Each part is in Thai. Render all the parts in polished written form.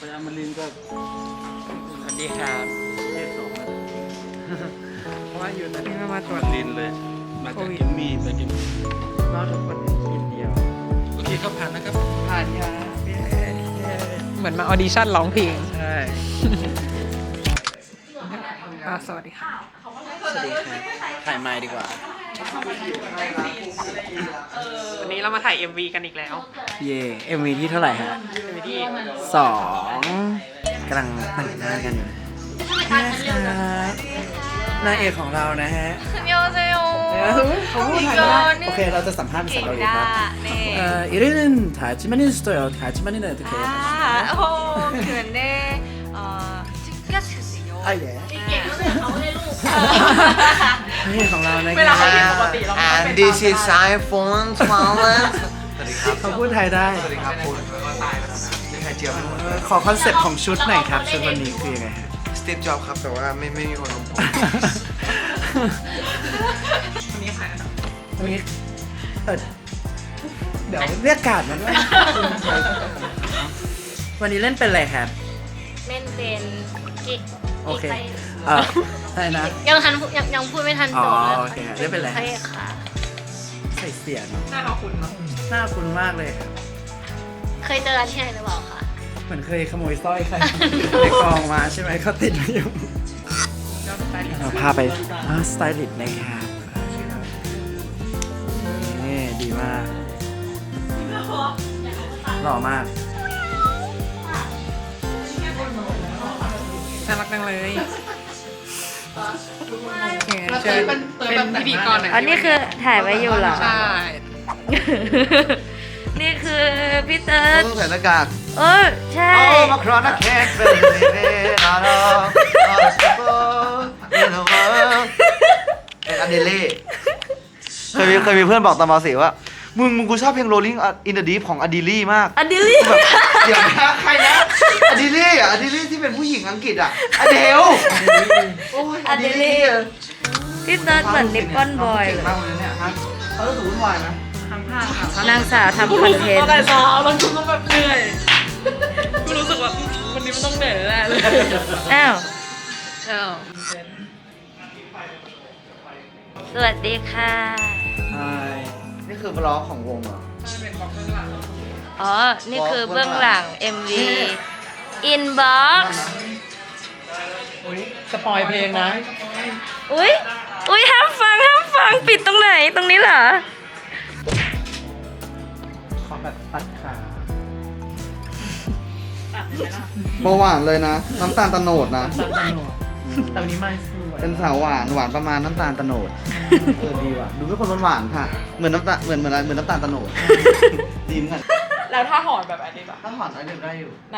ไปอมรินทร์ก็สวัสดีครับเทศสองนะเพราะว่าอยู่นั่นที่มาตรวจลินเลย มาจากกิมมี่ไปกิมมี่รอดทุกคนกินเดียวโอเคครับผ่านนะครับผ่านยาเหมือนมาออดิชั่นร้องเพลงใช่สวัสดีค่ะสวัสดีครับถ่ายไมค์ดีกว่าวันนี้เรามาถ่าย MV กันอีกแล้วเย่ MV ที่เท่าไหร่ฮะ MV ที่ 2กำลังแต่งหน้ากันอยู่นะครับนางเอกของเรานะฮะ 안녕하세요. เขาพูดไทยได้โอเค เราจะสัมภาษณ์ภาษาเกาหลีครับ 네. 이름은 다지만이 있어요. 다지만이는 어떻게 해요? 그런데 특이하시군요. 아 예. นางเอกของเรานะคเวลารัเขาเรียนปกติเราไม่ต้อง And เป็น this is iPhone 12 สวัสดีครับเขาพูดไทยได้สวัสดีครับคุณนี่ไข่เจียวไม่หมดขอคอนเซ็ปต์ของชุดหน่อยครับ ชุดวันนี้คือยังไงฮะสตีฟจ็อบครับ แต่ว่าไม่มีคนลงผมวันนี้ค่ะวันนี้เดี๋ยวเรียกการ์ดมาด้วยวันนี้เล่นเป็นอะไรครับเล่นเป็นกิ๊กโอเคอะไรนะยังพูดไม่ทันจบอ๋เลอย โอเคเล่นเป็นอะไรพระเอกค่ะใส่เสียงหน้าเขาคุ้นเนาะหน้าคุ้นมากเลยครับเคยเจอกันที่ไหนหรือเปล่าคะเหมือนเคยขโมยสร้อยใครในกองมาใช่ไหมเขาติดมาอยู่ก็สไตลิสต์เราพาไปสไตลิสต์นะครับนี่ดีมากหล่อมากน่ารักจังเลยโอเคเชิญเป็นพิธีกรหน่อยอันนี้คือถ่ายไว้อยู่เหรอใช่นี่คือพี่เติร์ดต้องใส่หน้ากากใช่มาครอนแค่เป็นเรื่องราวเป็นอเดเล่เคยมีเพื่อนบอกตอนม .4 ว่ามึงกูชอบเพลง Rolling in the Deep ของอดิลี่มากอดิลี่แบบเดี๋ยวนะใครนะอดิลี่อ่ะอดิลี่ที่เป็นผู้หญิงอังกฤษอ่ะอเดลโอ้ยอดิลี่พี่เติร์ดเหมือนนิปปอนบอยเลยมากเลยเนี่ยฮะเขารู้สึกวุ่นวายไหมทั้งภาพค่ะนางสาวทำคอนเทนตั้งแต่ต์เช้าแล้วกูก็แบบเหนื่อยกูรู้สึกว่าวันนี้มันต้องเหนื่อยแน่เลยอ้าวอ้าวสวัสดีค่ะใช่นี่คือบล็อกของวงเหรออ๋อ นี่คือเบื้องหลัง MV Inbox สปอยเพลงนะอุ๊ย ห้ามฟัง ปิดตรงไหน ตรงนี้เหรอขอแบบตัดขาเบาหวานเลยนะ น้ำตาลตะโนดนะตัดตโนดแต่วันนี้ไม่สวยเป็นสาวหวานหวานประมาณน้ำตาลตะโนดดีว่ะดูเป็นคนหวานๆค่ะ เหมือนน้ำตาลเหมือนน้ำตาลตะโนดดีเหมือนกันแล้วถ้าหอนแบบอันนี้ป่ะถ้าหวานได้ได้อยู่ไหน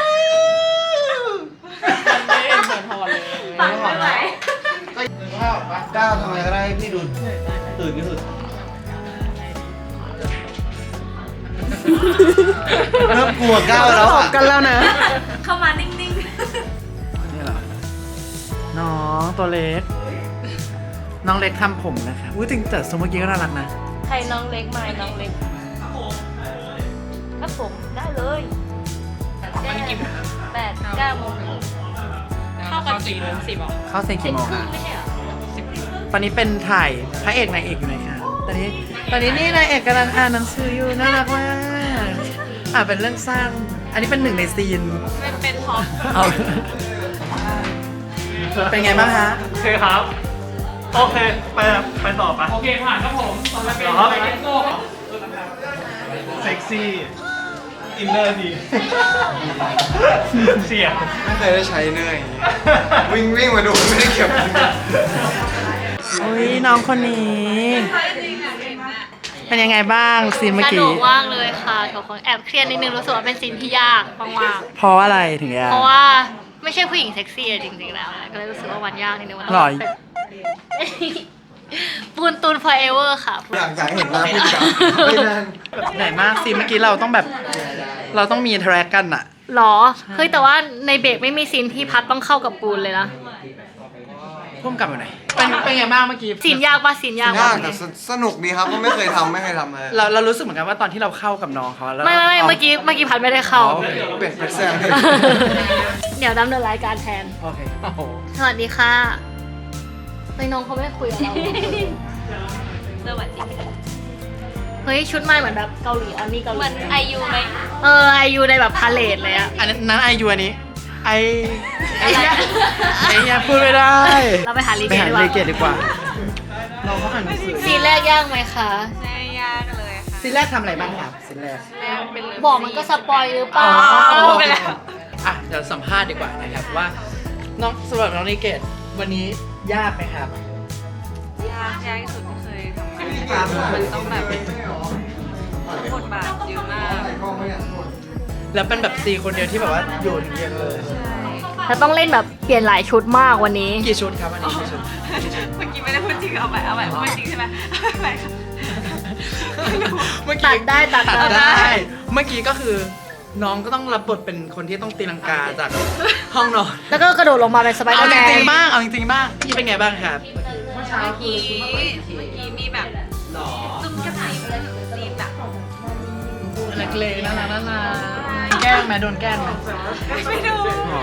มันไม่เห็นเหมือนหอนเลยฟังไม่ไหวก็ก้าวทำอะไรก็ได้ให้พี่ดูตื่นที่สุดเริ่มกลัวก้าวแล้วอ่ะกันแล้วนะเข้ามานิ่งนี่เหรอ น้องตัวเล็ก น้องเล็กทำผมนะครับอุ้ยจริงแต่สมเมื่อกี้ก็น่ารักนะๆ ใครน้องเล็กมาน้องเล็กครับผมได้เลยมันกี่โมง 8-9 โมงเข้ากัน4 โมง 10อ่ะเข้าเซ็นกี่โมงครึ่คะงไม่ใช่เหรอตอนนี้เป็นถ่ายพระเอกนางเอกอยู่ไหนคะตอนนี้นี่นางเอกกำลังอ่านหนังสืออยู่น่ารักมากเป็นเรื่องสร้าง อันนี้เป็นหนึ่งในซีนเป็นท็อปเอาเป็นไงบ้างฮะโอเคครับ โอเค ไปต่อปะโอเคผ่านครับผมต่อไปเป็นเหรอไปเก็ตโก้ครับเซ็กซี่ อินเนอร์ดี เสียงไม่เคยได้ใช้เนยวิ่งมาดูไม่ได้เก็บอุ้ยน้องคนนี้ เป็นยังไงบ้างซีนเมื่อสนุกี้กมากเลยค่ะทุกคนแอบเครียดนิดนึงรู้สึกว่าเป็นซีนที่ยากมากเพราะอะไรถึงยาๆกเพราะว่าไม่ใช่ผู้หญิงเซ็กซี่อะจริงๆแล้วก็เลยรู้สึกว่าวันยากนิดนึงวันหรอปูนตูน forever ค่ะอยากเห็นหน้าพี่จ๋าไม่นานไหนมากซีนเมื่อกี้เราต้องแบบ เราต้องมีอินเทอร์แอคกันอะหรอ เฮ้ยแต่ว่าในเบรกไม่มีซีนที่พัดต้องเข้ากับปูนเลยนะทพุ่มกลับมาหน่อยเป็นไงบ้างเมื่อกี้ซีนยากปะซีนยากยาปะกแต่สนุกดีครับเพราะไม่เคยทำเลยเรารู้สึกเหมือนกันว่าตอนที่เราเข้ากับน้องเขาแล้วไม่เมื่อกี้พัดไม่ได้เข้าเป็นแซงเดี๋ยวดำเนินรายการแทนโอเคโอ้โหสวัสดีค่ะเฮ้ยน้องเขาไม่คุยกับเราสวัสดีเฮ้ยชุดใหม่เหมือนแบบเกาหลีอันนี้เกาหลีเหมือนไอยูไหมไอยูในแบบพาเลทเลยอะอันนั้นไอยูอันนี้ไอเนี่ยพูดไม่ได้เราไปหารีไปเกหาตเลดีกเกว่าตดีกว่าเราเขาอ่านหนังสือซีนแรกยากไหมคะไม่ยากเลยค่ะซีนแรกทำอะไรบ้างครับซีนแรกแล้วเป็นเลิฟบอกมันก็สปอยหรือเปล่าพูดไปแล้วอ่ะเดี๋ยวสัมภาษณ์ดีกว่านะครับว่าน้องสำหรับน้องเลเกตวันนี้ยากไหมครับยากที่สุดที่เคยทำมามันต้องแบบบทบาทเยอะมากแล้วเป็นแบบซีคนเดียวที่แบบว่าอยู่ถึงเย็นเลยแล้วต้องเล่นแบบเปลี่ยนหลายชุดมากวันนี้กี่ชุดครับอันนี้กี่ชุดเมื่อกี้ไม่ได้พูดจริงเอาใหม่พูดจริงใช่ไหมเอาใหม่ค่ะเมื่อตักี้ดได้ตัดได้เมื่อกี้ก็คือน้องก็ต้องรับบทเป็นคนที่ต้องตีลังกาจากห้องนอนแล้วก็กระโดดลงมาเป็นสไปเดอเอาร์จแมนริงๆบ้างเอาจริงๆบ้างพี่เป็นไงบ้างครับเมื่อกี้มีแบบจุ่มกระสีซีนแบบเล็กๆน่ารักแกล้งไหมโดนแกล้งไหมไม่ดู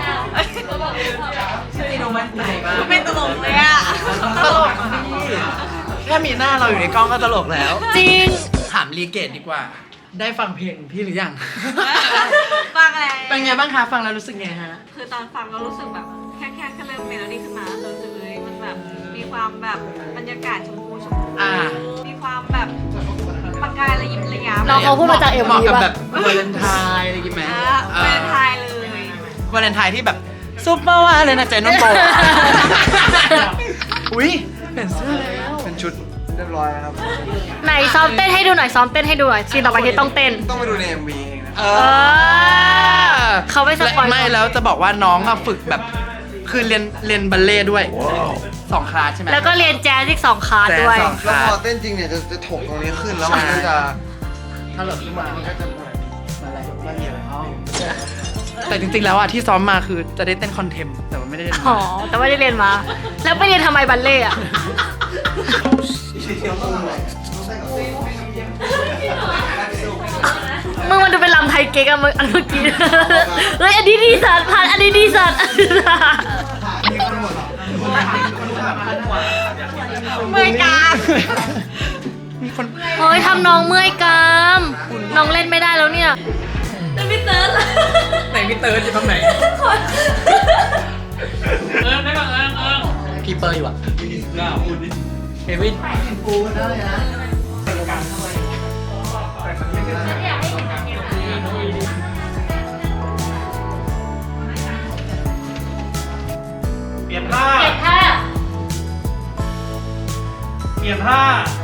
ไม่ดูมันไหนบ้างไม่ตลกเลยอ่ะตลกพี่แค่มีหน้าเราอยู่ในกล้องก็ตลกแล้วจริงถามรีเกตดีกว่า ได้ฟังเพลงพี่หรือยังฟังอะไรเป็นไงบ้างคะฟังแล้วรู้สึกไงฮะคือตอนฟังเรารู้สึกแบบแค่เริ่มเมโลดี้ขึ้นมาเรารู้สึกเลยมันแบบมีความแบบบรรยากาศชมพูอ่ามีความแบบประกายระยิบระยับน้องเขาพูดมาจากเหมาะ MV กับป่ะแบบวาเลนไทน์อะไรอย่างงี้ไหมเป็นไทยเลยวาเลนไทน์ที่แบบซุปเปอร์วาเลยนะเจนน้องโบอุ้ยเปลี่ยนเสื้อแล้วเป็นชุดเรียบร้อยครับไหนซ้อมเต้นให้ดูหน่อยซ้อมเต้นให้ดูหน่อยซีนต่อไปที่ต้องเต้นต้องไปดูใน MV เองนะเอเออเขาไม่สปอยล์ไม่แล้วจะบอกว่าน้องอะฝึกแบบคือเรียนบัลเล่ต์ด้วย2 คลาสใช่ไหมแล้วก็เรียนแจ๊สอีก2 คลาสด้วยแจ๊ส2 แล้วพอเต้นจริงเนี่ยจะถกตรงนี้ขึ้นแล้วมันก็จะถ้าหลบขึ้นมามันก็จะอะไรไม่มีอะไรแต่จริงๆแล้วอะที่ซ้อมมาคือจะได้เต้นคอนเทมแต่ว่าไม่ได้เล่นอ๋อ แต่ว่าได้เรียนมา แล้วไปเรียนทำไมบัลเล่ต์อะมึงมันดูเป็นลำไทยเก๊กอะมึงอันเมื่อกี้ เฮ้ยอันนี้ดีสัตว์พันอันนี้ดีสัตว์เมื่อยกามีคนเฮ้ยทำน้องเมื่อยกราม น้องเล่นไม่ได้แล้วเนี่ยพี่เติร์ดไหนพี่เติร์ดอยู่ตรงไหนพี่เปอร์อยู่อะเฮวินกูได้นะเปลี่ยนท่าเก็บท่าเปลี่ยนท่า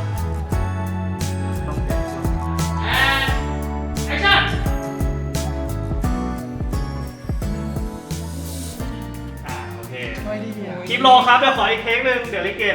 โอเคคลิปโลครับ เดี๋ยวขออีกเทคหนึ่งเดี๋ยวลิเกต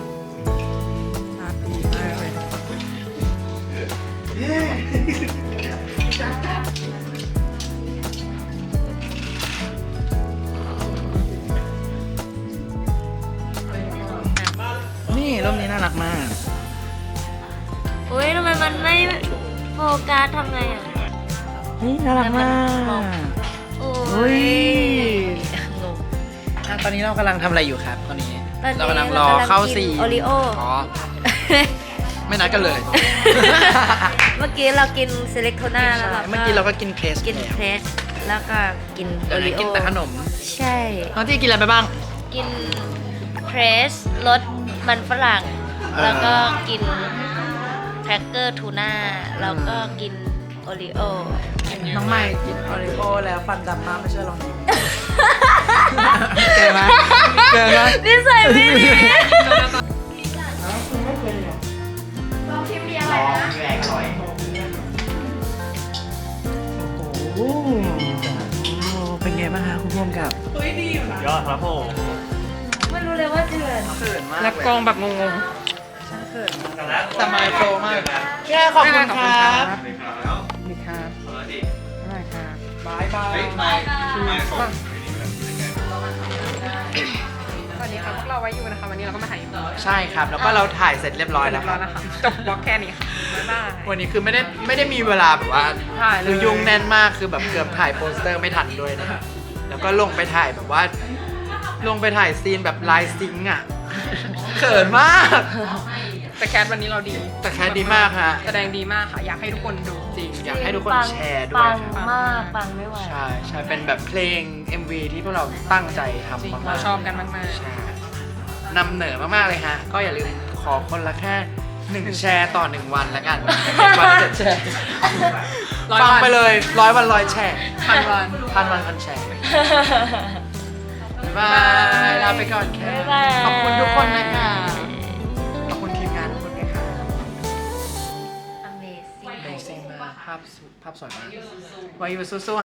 นี่ร่มนี้น่ารักมากเฮ้ยทำไมมันไม่โฟกัสทำไงอ่ะนี่น่ารักมากโอ้เฮ้ยงงตอนนี้เรากำลังทำอะไรอยู่ครับตอนนี้ตอนนี้เรากำลังรอเข้าซีนโอริโออ๋อไม่นัดกันเลยเมื่อกี้เรากินเซเล็กโทน่าแล้วเราเมื่อกี้เราก็กินเพรสกินเพรสแล้วก็กินโอเดี๋ยวรินี้โอกินแต่ขนมใช่น้องที่กินอะไรไปบ้างกินเพรสรสมันฝรั่ง แล้วก็กินแครกเกอร์ทูน่าแล้วก็กินโอริโอน้องใหม่กินโอริโอแล้วฟันดำมากไม่เชื่อลองกินเจอไหมเจอไหมนิสัยไม่ดีโอ้โหเป็นไงบ้างคะคุณพ่วงกับยอดครับผมไม่รู้เลยว่าเดือนเขินมากแล้วกองแบบงงแต่ไมโครมากแค่ขอบคุณครับมีครับอะไรครับบายบายๆสวัสดีครับพวกเราไว้อยู่นะคะ วันนี้เราก็มาถ่ายอยู่ใช่ครับ แล้วก็เราถ่ายเสร็จเรียบร้อยแล้วคแล้รัวบนะคะจบบล็อกแค่นี้ค่ะบ๊ายบายวันนี้คือไม่ได้มีเวลาแบบว่าถ่ายเลยคือยุ่งแน่นมากคือแบบเกือบถ่ายโปสเตอร์ไม่ทันด้วยนะครับแล้วก็ลงไปถ่ายแบบว่า ลงไปถ่ายซีนแบบไลน์ซิงค์อ่ะ เขินมากแต่แคสวันนี้เราดีแต่แคสดีมากฮะแสดงดีมากค่ะ อยากให้ทุกคนดูจริงอยากให้ทุกคนแชร์ด้วปัยงครับมากปังไม่ไหวใช่ใช่เป็นแบบเพลง MV ที่พวกเราตั้งใจทำจริงมากๆเราชอบกันมากใช่นำเหนอมากๆเลยฮะ ก็อย่าลืมขอคนละแค่1แชร์ต่อ1วันแล้วกันวัน7แชร์ร้อยวันฟังไปเลย100 วัน100แชร์พันวันพันวันพันแชร์บ๊ายบายลาไปก่อนแค่บ๊ายบายขอบคุณทุกคนนะคะขอบคุณทีมงานทุกคนด้วยค่ะ Amazing Amazing มากภาพสวยมากวายุสู้ๆ